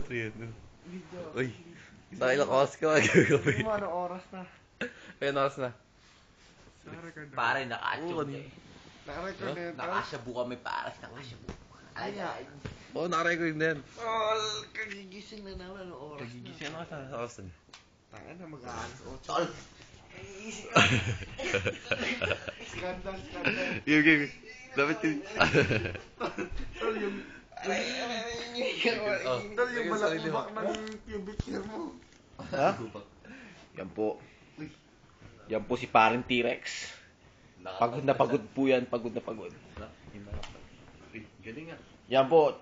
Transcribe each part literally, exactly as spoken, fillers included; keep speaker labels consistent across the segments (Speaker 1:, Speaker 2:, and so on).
Speaker 1: three yan.
Speaker 2: Video.
Speaker 1: Uy, sa ilang oras ka magagawin.
Speaker 2: Ano mo, anong oras na?
Speaker 1: Ayun, oras na.
Speaker 2: Naka-record na.
Speaker 3: Pare, naka-atchog
Speaker 1: Oo,
Speaker 3: eh.
Speaker 2: Naka-record na yun, tol?
Speaker 3: Nakasyabu kami, pare. Nakasyabu. Ay, ay.
Speaker 1: Oo, nakarecord na yan.
Speaker 2: Tol, kagigising na naman, anong oras na?
Speaker 1: Nagigising ako sa sa oras na.
Speaker 2: Tanga na, mag-aalas otso.
Speaker 3: Tol.
Speaker 2: Kagigising ka. Skandal, skandal.
Speaker 1: Yung, yung, dapat yun.
Speaker 2: Tol, yung... Aray, aray, aray,
Speaker 1: Oh,
Speaker 2: Tol, yung
Speaker 1: lagyan sa sarili mo.
Speaker 2: malakubak ng pubic hair mo.
Speaker 4: Ha? Yan po. Yan po si parang T-Rex. Pagod na pagod po yan, pagod na pagod.
Speaker 1: Uy, galing nga.
Speaker 4: Yan po.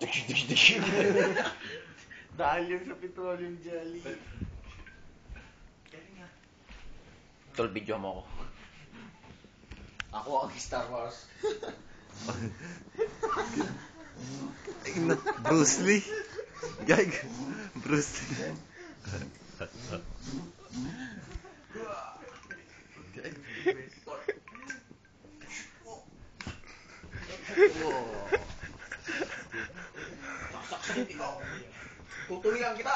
Speaker 2: Dahil yun sa petroleum jelly.
Speaker 4: Tol, video mo ako.
Speaker 3: Ako ang Star Wars.
Speaker 1: Bruce Lee. Gag. Bruce Lee.
Speaker 3: Tutuloyan kita.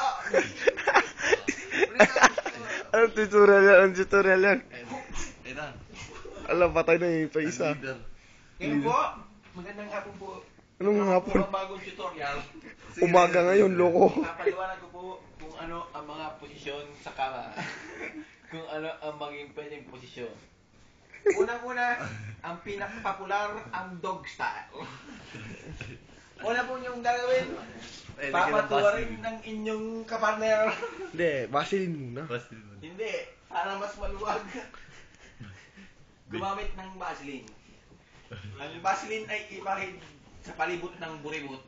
Speaker 2: Anong tutorial yan? Anong tutorial yan?
Speaker 1: Ayun na.
Speaker 2: Alam, patay na yung pa isa.
Speaker 1: Leader.
Speaker 3: Ngayon po, magandang hapon po.
Speaker 2: Anong hapon?
Speaker 3: Ang bagong tutorial.
Speaker 2: Umaga ngayon, loko.
Speaker 3: Papaliwanag ko po kung ano ang mga posisyon sa kama. Kung ano ang maging pwedeng posisyon. Unang-una, ang pinakapopular, ang dog style. Una po niyong gagawin,
Speaker 1: Ay, lagyan ng
Speaker 3: papatuwarin
Speaker 1: Vaseline.
Speaker 3: ng inyong kapartner.
Speaker 2: Hindi, Vaseline muna.
Speaker 1: Vaseline mo.
Speaker 3: Hindi, para mas maluwag. Gumamit ng Vaseline. Ang Vaseline ay ipahid sa palibot ng buribot.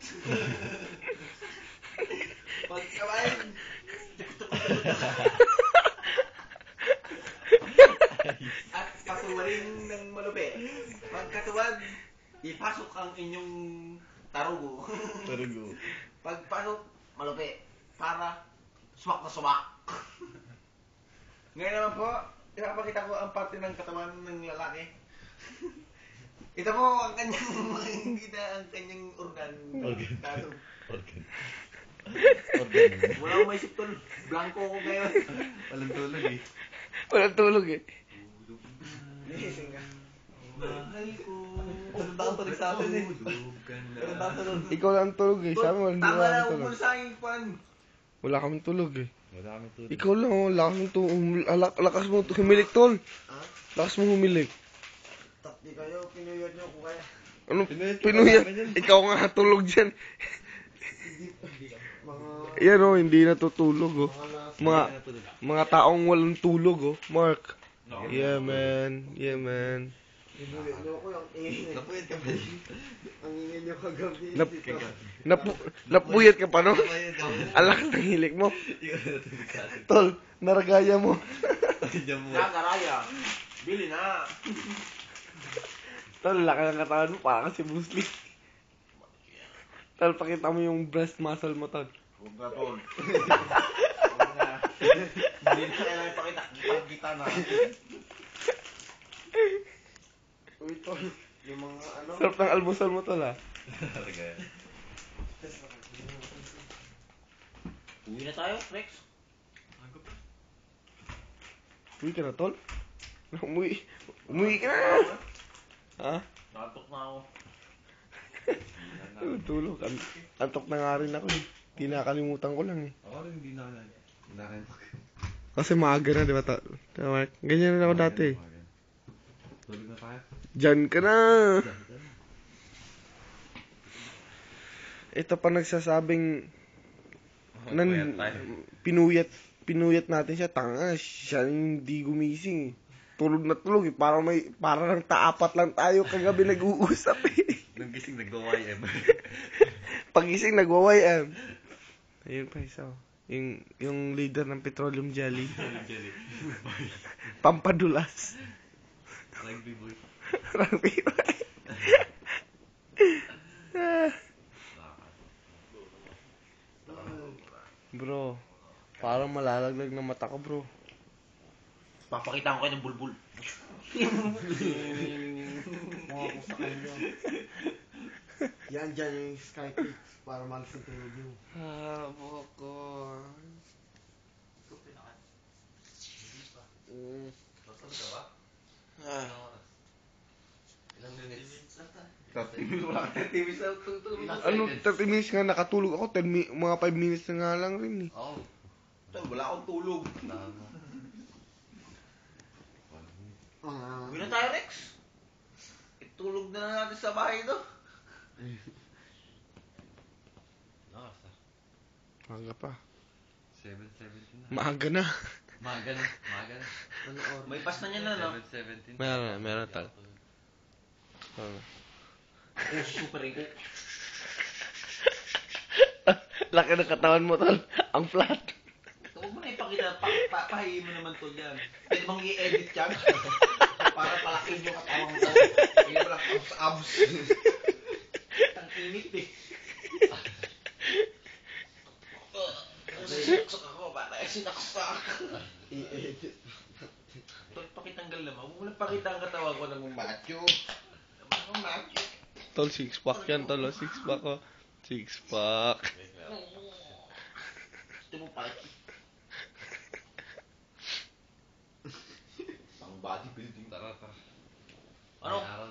Speaker 3: Pagkabahin, at patuwarin ng malupit. Pagkatuwad, ipasok ang inyong tarugo.
Speaker 1: Tarugo.
Speaker 3: Pagpasok, malupit. Para sumak na sumak. Ngayon naman po, ipapakita ko ang parte ng katawan ng lalaki. Ito po ang kanyang makikita, ang kanyang organ.
Speaker 1: Organ.
Speaker 3: Tattoo.
Speaker 1: Organ. Organ.
Speaker 3: Wala akong maisip tol. Blanco ko ngayon.
Speaker 1: Walang tulog eh.
Speaker 2: Walang tulog eh.
Speaker 3: Gising ka.
Speaker 1: Mahal ko. Walang taong tulog sa atin eh. Walang taong tulog.
Speaker 2: Ikaw lang tulog eh. Sabi mo, hindi
Speaker 3: Tama
Speaker 2: wala
Speaker 3: na,
Speaker 2: kang tulog.
Speaker 3: umul sa akin, Juan.
Speaker 2: Wala kami tulog eh.
Speaker 1: Wala kami tulog.
Speaker 2: Ikaw lang oh, lakas mo to, umul- alak- lakas mo to, humilik tol. Lakas mo humilik.
Speaker 3: Takti kayo, pinuyod nyo ko kaya.
Speaker 2: Ano,
Speaker 1: Pinuyat ka
Speaker 2: pinuyat?
Speaker 1: pa namin yun.
Speaker 2: Ikaw nga tulog dyan. Yan oh, hindi natutulog oh. Mga, mga taong walang tulog oh. Mark. Yeah man, yeah man.
Speaker 3: Pinuyod nyo ko yung ingin.
Speaker 1: Napuyat ka ba?
Speaker 3: Ang ingin nyo kagabi.
Speaker 2: Nap, napu, napuyat ka pa no?
Speaker 1: Napuyat ka ba?
Speaker 2: Alakas ng hilik mo.
Speaker 1: Ikaw na natulog sa atin.
Speaker 2: Tol, naragaya mo.
Speaker 1: Diyan mo.
Speaker 3: Nagaraya. Bili na.
Speaker 2: Tol, laki ng katawan mo, parang si Bruce Lee. Tol, pakita mo yung breast muscle mo, tol.
Speaker 3: Huwag na tol. Huwag na. Hindi na kailangan ipakita. Kita na. Uy tol, yung mga ano.
Speaker 2: Sarap ng almusal mo, tol, ha?
Speaker 1: Talaga yan.
Speaker 3: Uwi na tayo, Rex.
Speaker 2: Uwi ka na, tol? Umuwi. Umuwi ka na! Ha?
Speaker 3: Natok na ako.
Speaker 2: Ay, tulog. An- antok na nga rin ako eh. Kinakalimutan ko lang eh.
Speaker 1: Ako rin hindi na ako na- nakalimutan.
Speaker 2: Kasi maaga na, di ba, tol? Tama. Ganyan na ako dati eh.
Speaker 1: Tulog na tayo.
Speaker 2: Diyan ka na! Ito pa nagsasabing nan,
Speaker 1: Puyat tayo.
Speaker 2: pinuyat pinuyat natin siya, tanga, siya hindi gumising eh. Tulog na tulog eh, parang may, parang taapat lang tayo kagabi nag-uusap eh.
Speaker 1: Nung gising nagwa-Y M.
Speaker 2: Pagising nagwa-Y M. Ayun pa isa oh. Yung, yung leader ng petroleum jelly.
Speaker 1: Jelly.
Speaker 2: Pampadulas.
Speaker 1: Rugby boy.
Speaker 2: Rugby boy. Bro, parang malalaglag na mata ko, bro.
Speaker 3: Papakita ko kayo ng bulbul.
Speaker 2: Mga ko sa kanya.
Speaker 5: Yan dyan yung sky kicks para malis yung tulog nyo.
Speaker 2: Ah, buhok ko.
Speaker 1: thirty minutes, wala ka thirty minutes na tutulog.
Speaker 2: Ano, thirty minutes nga nakatulog ako, ten mi- mga five minutes na nga lang rin eh.
Speaker 1: Oo. Tol, wala akong tulog.
Speaker 5: Tama.
Speaker 1: Uwi na tayo, Rex. Itulog na lang natin sa bahay, no?
Speaker 5: Nakasa.
Speaker 2: Maaga pa.
Speaker 5: seven seventeen na.
Speaker 2: Maaga na.
Speaker 5: Maga na. Maga na.
Speaker 1: Ano, or, may pass na niya na, no?
Speaker 5: seven seventeen.
Speaker 2: Meron na, meron tal. Oo.
Speaker 1: Oh, super ego.
Speaker 2: Laki ng katawan mo, tol. Ang flat.
Speaker 1: Huwag mo na ipakita, pa, pa, pahihin mo naman to dyan. Pwede bang i-edit yan? Para palakin yung katawan mo. Hindi mo lang abs abs. Ang init eh. Sinaksak ako, para sinaksak. I-edit. Tol, pakitanggal naman. Huwag mo lang pakita ang katawan ko ng macho. Ang macho.
Speaker 2: Tol, six pack yan, tol. oh. Six pack ko. Six pack.
Speaker 1: Gusto mo pakita. Pang bodybuilding.
Speaker 5: Tara, tara.
Speaker 1: Ano?
Speaker 5: May araw